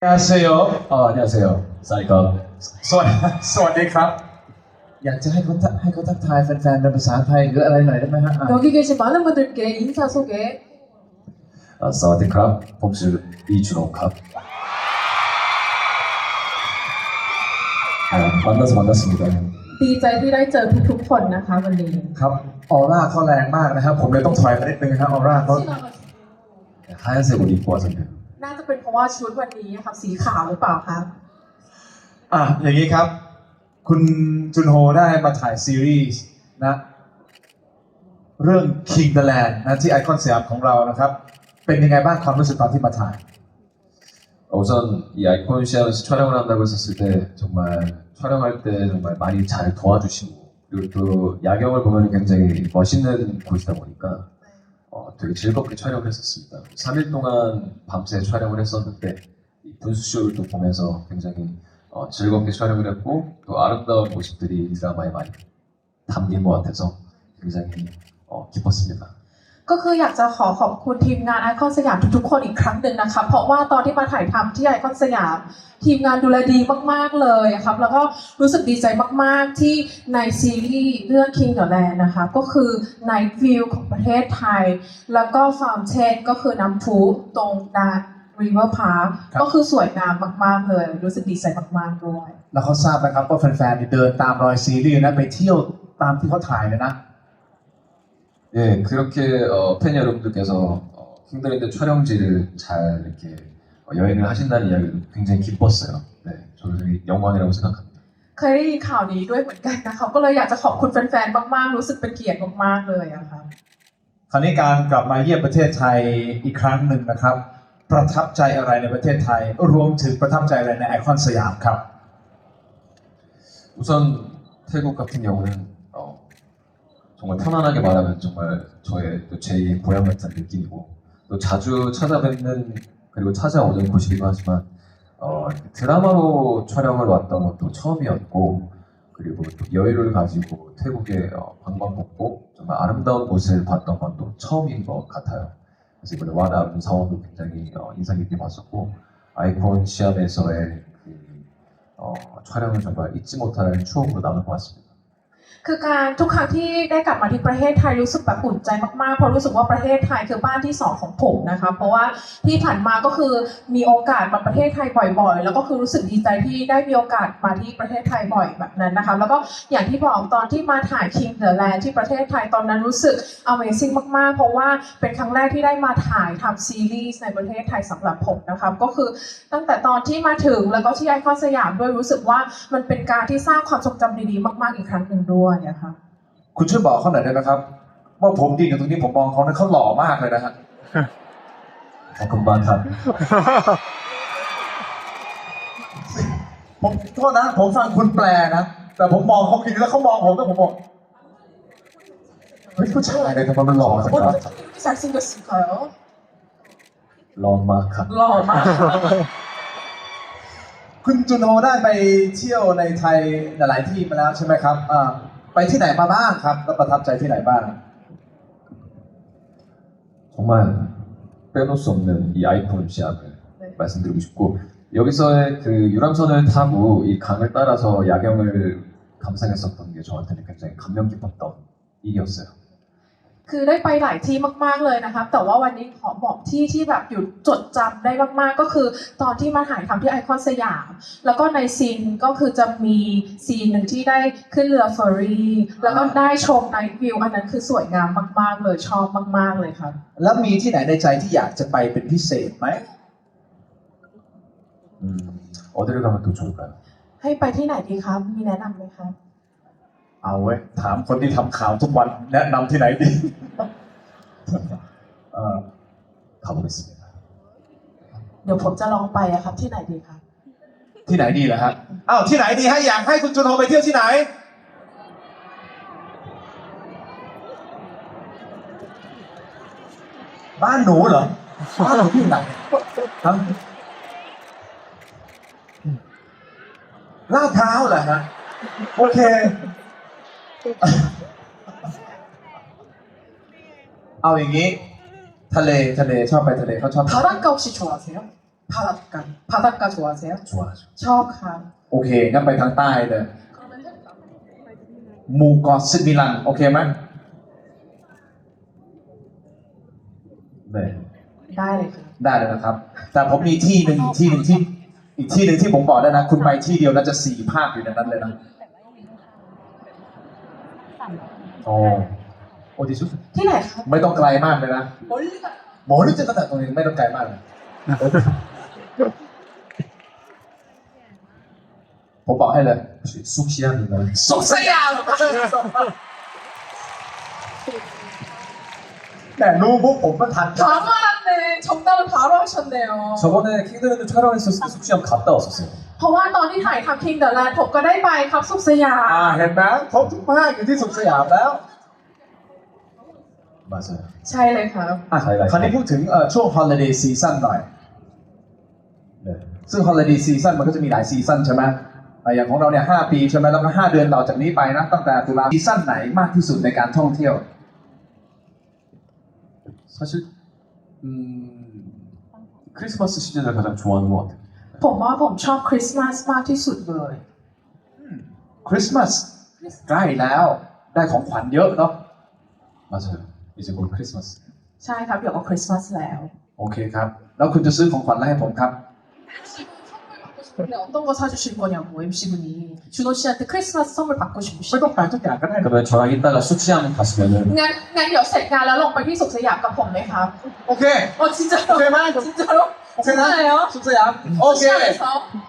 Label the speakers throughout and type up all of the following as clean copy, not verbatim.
Speaker 1: 안녕하세요.
Speaker 2: 안녕하세요. 사이가
Speaker 1: สวัสดีครับ อยากจะให้เขาทักทายแฟนๆเป็นภาษาไทยหรืออะไรหน่อยได้ไหมฮะ
Speaker 3: 여기 계신 많은 분들께 인사 소개.
Speaker 2: 사와디크랍 봄수 이준호캅. 만나서 반갑습니다.
Speaker 3: ดีใจที่ได้เจอทุกๆคนนะคะวันนี้
Speaker 1: ครับออร่าเขาแรงมากนะครับผมเลยต้องถอยมานิดนึงนะครับออร่าเขา
Speaker 2: 하얀색 옷 입고 와서요.
Speaker 3: น่าจะเป็นเพราะว่าชุดวันนี้ค่ะสีขาวหรือเปล่าคะ
Speaker 1: อย่างนี้ครับ คุณจุนโฮได้มาถ่ายซีรีส์นะเรื่อง King the Land นะที่ไอคอนสยามของเรานะครับเป็นยังไงบ้างความรู้สึกตอนที่มาถ่าย
Speaker 2: 우선 이 아이콘 시합에서 촬영을 한다고 했었을 때 정말 촬영할 때 정말 많이 잘 도와주시고 그리고 또 야경을 보면 굉장히 멋있는 곳이다 보니까 되게 즐겁게 촬영을 했었습니다. 3일 동안 밤새 촬영을 했었는데 이 분수쇼를 또 보면서 굉장히 즐겁게 촬영을 했고 또 아름다운 모습들이 드라마에 많이 담긴 것 같아서 굉장히 기뻤습니다.
Speaker 3: ก็คืออยากจะขอบคุณทีมงานไอคอนสยามทุกๆคนอีกครั้งหนึ่งนะคะเพราะว่าตอนที่มาถ่ายทำที่ไอคอนสยามทีมงานดูแลดีมากๆเลยครับแล้วก็รู้สึกดีใจมากๆที่ในซีรีส์เรื่อง King the Land นะคะก็คือ Night View ของประเทศไทยแล้วก็ Fountain ก็คือน้ำพุตรงด้าน River Park ก็คือสวยงามมากๆเลยรู้สึกดีใจมากๆด้วย
Speaker 1: แล้วเขาทราบนะครับว่าแฟนๆเดินตามรอยซีรีส์นะไปเที่ยวตามที่เขาถ่ายเลยนะ
Speaker 2: 예, 그렇게 팬 여러분들께서 킹더랜드 촬영지를 잘 이렇게 여행을 하신다는 이야기도 굉장히 기뻤어요. 네, 저도 되게 영광이라고 생각합니다.
Speaker 3: เคยได้ยินข่าวนี้ด้วยเหมือนกันนะคะก็เลยอยากจะขอบคุณแฟนๆมากๆรู้สึกเป็นเกียรติมากๆเลยอะค่ะ
Speaker 1: คราวนี้การกลับมาเยี่ยมประเทศไทยอีกครั้งหนึ่งนะครับ ประทับใจอะไรในประเทศไทยรวมถึงประทับใจอะไรในไอคอนสยามครับ
Speaker 2: 우선 태국 같은 경우는 정말 편안하게 말하면 정말 저의 또 제2의 고향 같은 느낌이고 또 자주 찾아뵙는 그리고 찾아오는 곳이기도 하지만 드라마로 촬영을 왔던 것도 처음이었고 그리고 또 여유를 가지고 태국의 관광복고 정말 아름다운 곳을 봤던 건 또 처음인 것 같아요. 그래서 이번에 와나름 사원도 굉장히 인상 깊게 봤었고 아이콘 시합에서의 촬영은 정말 잊지 못할 추억으로 남을 것 같습니다.
Speaker 3: คือการทุกครั้งที่ได้กลับมาที่ประเทศไทยรู้สึกแบบอุ่นใจมากๆเพราะรู้สึกว่าประเทศไทยคือบ้านที่2ของผมนะคะเพราะว่าที่ผ่านมาก็คือมีโอกาสมาประเทศไทยบ่อยๆแล้วก็คือรู้สึกดีใจที่ได้มีโอกาสมาที่ประเทศไทยบ่อยแบบนั้นนะคะแล้วก็อย่างที่บอกตอนที่มาถ่าย King the Land ที่ประเทศไทยตอนนั้นรู้สึก Amazing มากๆเพราะว่าเป็นครั้งแรกที่ได้มาถ่ายทำซีรีส์ในประเทศไทยสำหรับผมนะคะก็คือตั้งแต่ตอนที่มาถึงแล้วก็ที่ไอคอนสยามด้วยรู้สึกว่ามันเป็นการที่สร้างความทรงจำดีๆมากๆอีกครั้งหนึ่งด้วยนะคะ
Speaker 1: คุณช่วยบอกเขาหน่อยได้ไหมครับ ว่าผมดีกับตรงนี้ผมมองเขานะเขาหล่อมากเลยนะฮะ
Speaker 2: 금방탑
Speaker 1: ผมโทษนะผมฟังคุณแปลนะแต่ผมมองเขาจริงแล้วเขามองผมแล้วผมบอกเฮ้ยผู้ชายเลยทำไมมันหล่อจังวะ
Speaker 3: 잘생겼을까요?
Speaker 2: 런마캅
Speaker 3: หล่อมาก
Speaker 1: คุณจุนโฮได้ไปเที่ยวในไทยหลายที่มาแล้วใช่ไหมครับไปที่ไหนมาบ้างครับแล้วประทับใจที่ไหนบ้าง
Speaker 2: 정말 빼놓을 수 없는 이 아이콘 시합을
Speaker 3: 네.
Speaker 2: 말씀드리고 싶고 여기서의 그 유람선을 타고 이 강을 따라서 야경을 감상했었던 게 저한테는 굉장히 감명 깊었던 일이었어요.
Speaker 3: คือได้ไปหลายที่มากๆเลยนะคะแต่ว่าวันนี้ขอบอกที่ที่แบบอยู่จดจำได้มากๆก็คือตอนที่มาถ่ายทำที่ไอคอนสยามแล้วก็ในซีนก็คือจะมีซีนหนึ่งที่ได้ขึ้นเรือเฟอร์รี่แล้วก็ได้ชมไนท์วิวอันนั้นคือสวยงามมากๆเลยชอบมากๆเลยครับ
Speaker 1: แล้วมีที่ไหนในใจที่อยากจะไปเป็นพิเศษไหม
Speaker 2: 어디를 가면 또 좋을까요?
Speaker 3: ให้ไปที่ไหนดีครับมีแนะนำไหมคะ
Speaker 1: เอาเว้ยถามคนที่ทำข่าวทุกวันแนะนำที่ไหนดี
Speaker 2: 가보겠습니다.
Speaker 3: เดี๋ยวผมจะลองไปอะครับที่ไหนดีครับ
Speaker 1: ที่ไหนดีล่ะฮะอ้าวที่ไหนดีให้อยากให้คุณจุนโฮไปเที่ยวที่ไหน บ้านหนูเหรอบ้านหนูที่ไหนฮะลาดพร้าวเหรอฮะโอเค เอาอย่างนี้ทะเลชอบไปทะเลเขาชอบ
Speaker 3: 바닷가 혹시 좋아하세요? 바닷가. 바닷가 좋아하세요?
Speaker 2: 좋아하죠.
Speaker 3: ชอบค่ะ
Speaker 1: โอเคงั้นไปทางใต้เลยหมู่เกาะซิมิลันโอเคไหม
Speaker 2: 네.
Speaker 3: ได้เลยค่ะ
Speaker 1: ได้เลยนะครับ แต่ผมมีที่หนึ่งที่อีกที่หนึ่งที่ผมบอกได้นะ คุณไปที่เดียวน่าจะ4 ภาคอยู่ในนั้นเลยนะ
Speaker 2: 어, 어디죠?
Speaker 3: ที่ไหนคะ
Speaker 1: ไม่ต้องไกลมากเลยนะ
Speaker 3: 멀리가
Speaker 1: หมอนึกจะตั้งแต่ตรงนี้ไม่ต้องไกลมากเลยผมบอกให้เลย
Speaker 2: 혹시 쑥시암인가요?
Speaker 3: สุขสยาม
Speaker 1: แต่รู้พวกผมก็ทัน
Speaker 3: 바로 알았네. 정답을 바로 하셨네요.
Speaker 2: 저번에 킹드랜드 촬영했었을 때 쑥시암 갔다 왔었어요.
Speaker 3: เพราะว่าตอนที่ถ่ายทำ King the Land ผมก็ได้ไปครับสุขสยาม
Speaker 1: เห็นไหมครบทุกภาคอยู่ที่สุขสยามแล้ว
Speaker 2: 맞아요.
Speaker 3: ใช่เลยครับ
Speaker 1: อ่ะคราวนี้พูดถึงช่วง holiday season หน่อย
Speaker 2: 네.
Speaker 1: ซึ่ง holiday season มันก็จะมีหลายซีซั่นใช่ไหมอย่างของเราเนี่ย5 ปีใช่ไหมแล้วก็5 เดือนต่อจากนี้ไปนะตั้งแต่ตุลาซีซั่นไหนมากที่สุดในการท่องเที่ยว
Speaker 2: 사실 크리스마스 시즌을 가장 좋아하는 것 같아요.
Speaker 3: ผมว่าผมชอบคริสต์มาสมากที่สุดเลย
Speaker 1: คริสต์มาสใกล้แล้วได้ของขวัญเยอะเนาะ
Speaker 2: 맞아요. 이제 곧 크리스마스.
Speaker 3: ใช่ครับเดี๋ยวก็คริสต์มาสแล้ว
Speaker 1: โอเคครับ แล้วคุณจะซื้อของขวัญอะไรให้ผมครับ
Speaker 3: 근데 어떤 거 사주실 거냐고 MC분이 준호 씨한테 크리스마스 선물 받고
Speaker 1: ไม่
Speaker 3: 싶으시죠?
Speaker 1: ต้องแปลทุกอย่างก็ได้
Speaker 2: 그러면 저랑 이따가 쑥시암 가시면은
Speaker 3: งั้นเดี๋ยวเสร็จงานแล้วลงไปที่สุขสยามกับผมไหมครับ
Speaker 1: โอเค
Speaker 3: 진짜로?
Speaker 1: โอเคไหม
Speaker 3: 진짜로?
Speaker 1: โอเคนะ
Speaker 3: 진짜예요?
Speaker 1: สุขสยามโอเค
Speaker 3: 시장에서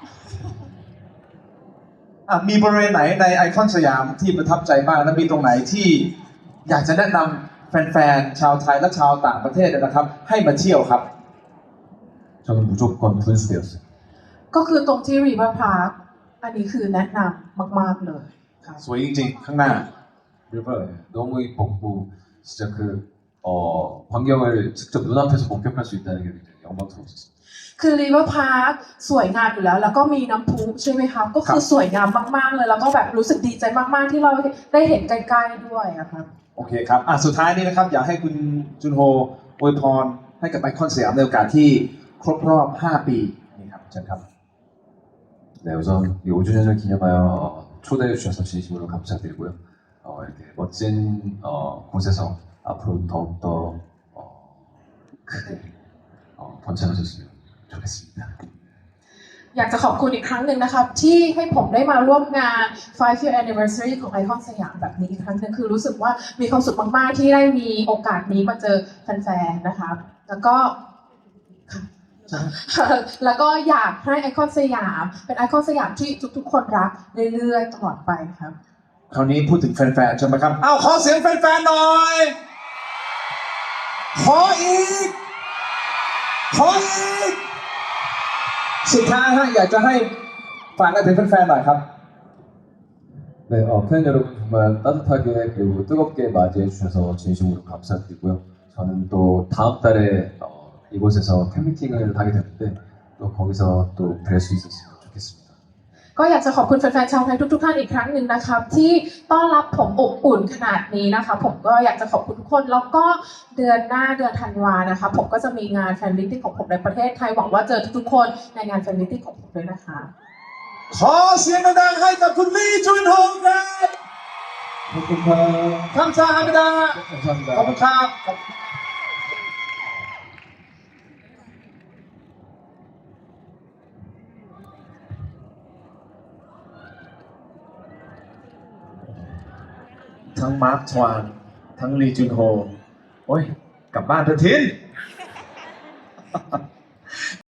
Speaker 1: มีบริเวณไหนในไอคอนสยามที่ประทับใจบ้างและมีตรงไหนที่อยากจะแนะนำแฟนๆชาวไทยและชาวต่างประเทศนะครับ ให้มาเที่ยวครับ
Speaker 2: 저는 무조건 분수대였어요.
Speaker 3: ก็คือตรงที่รีเวอร์พาร์คอันนี้คือแนะนำมากๆเลยครับ
Speaker 1: สวยจริงๆ ข้างหน้า
Speaker 2: 리버 너무 이뻤고 진짜 그 광경을 직접 눈앞에서 목격할 수 있다는 게 굉장히 영광스러웠어요.
Speaker 3: คือรีเวอร์พาร์คสวยงามอยู่แล้ว แล้วก็มีน้ำพุใช่ไหมครับ ก็คือสวยงามมากๆเลย แล้วก็แบบรู้สึกดีใจมากๆที่เราได้เห็นใกล้ๆด้วยอะครับ
Speaker 1: โอเคครับสุดท้ายนี้นะครับ อยากให้คุณจุนโฮอวยพรให้กับไอคอนสยามในโอกาสที่ครบรอบ 5 ปีนี่ครับเชิญครับ
Speaker 2: 네, 우선 이 5주년을 기념하여 초대해 주셔서 진심으로 감사드리고요. 이렇게 멋진 곳에서 앞으로 더욱더 크게 번창하셨으면 좋겠습니다.
Speaker 3: อยากจะขอบคุณอีกครั้งหนึ่งนะครับ ที่ให้ผมได้มาร่วมงาน 5-year anniversary ของไอคอนสยามแบบนี้อีกครั้งหนึ่งคือรู้สึกว่ามีความสุขมากๆที่ได้มีโอกาสนี้มาเจอแฟนๆนะครับ แล้วก็ แล้วก็อยากให้ไอคอนสยามเป็นไอคอนสยามที่ทุกๆคนรักเรื่อยๆตลอดไปครับ
Speaker 1: คราวนี้พูดถึงแฟนๆใช่ไหมครับขอเสียงแฟนๆหน่อย ขออีก สุดท้ายอยากจะให้ฝากอะไรถึงแฟนๆหน่อยครับ
Speaker 2: 네, 팬 여러분 정말 따뜻하게 그리고 뜨겁게 맞이해 주셔서 진심으로 감사드리고요. 저는 또 다음 달에 이곳에서 팬미팅을 하게 되는데 또 거기서 또 뵐 수 있었으면 좋겠습니다.
Speaker 3: ก็อยากจะขอบคุณแฟนๆชาวไทยทุกๆท่านอีกครั้งหนึ่งนะครับ ที่ต้อนรับผมอบอุ่นขนาดนี้นะคะผมก็อยากจะขอบคุณทุกคนแล้วก็เดือนหน้าเดือนธันวานะคะผมก็จะมีงานแฟนมิตติ้งของผมในประเทศไทยหวังว่าเจอทุกๆคนในงานแฟนมิตติ้งของผมด้วยนะคะ
Speaker 1: ขอเสียงดังๆให้กับคุณลี่จุนโฮครับ
Speaker 2: 감사합니다.
Speaker 1: คำซาฮามิดาขอบคุณครับ ทั้งมาร์คทวานทั้งลีจุนโฮโอ้ย กลับบ้านเถอะทิน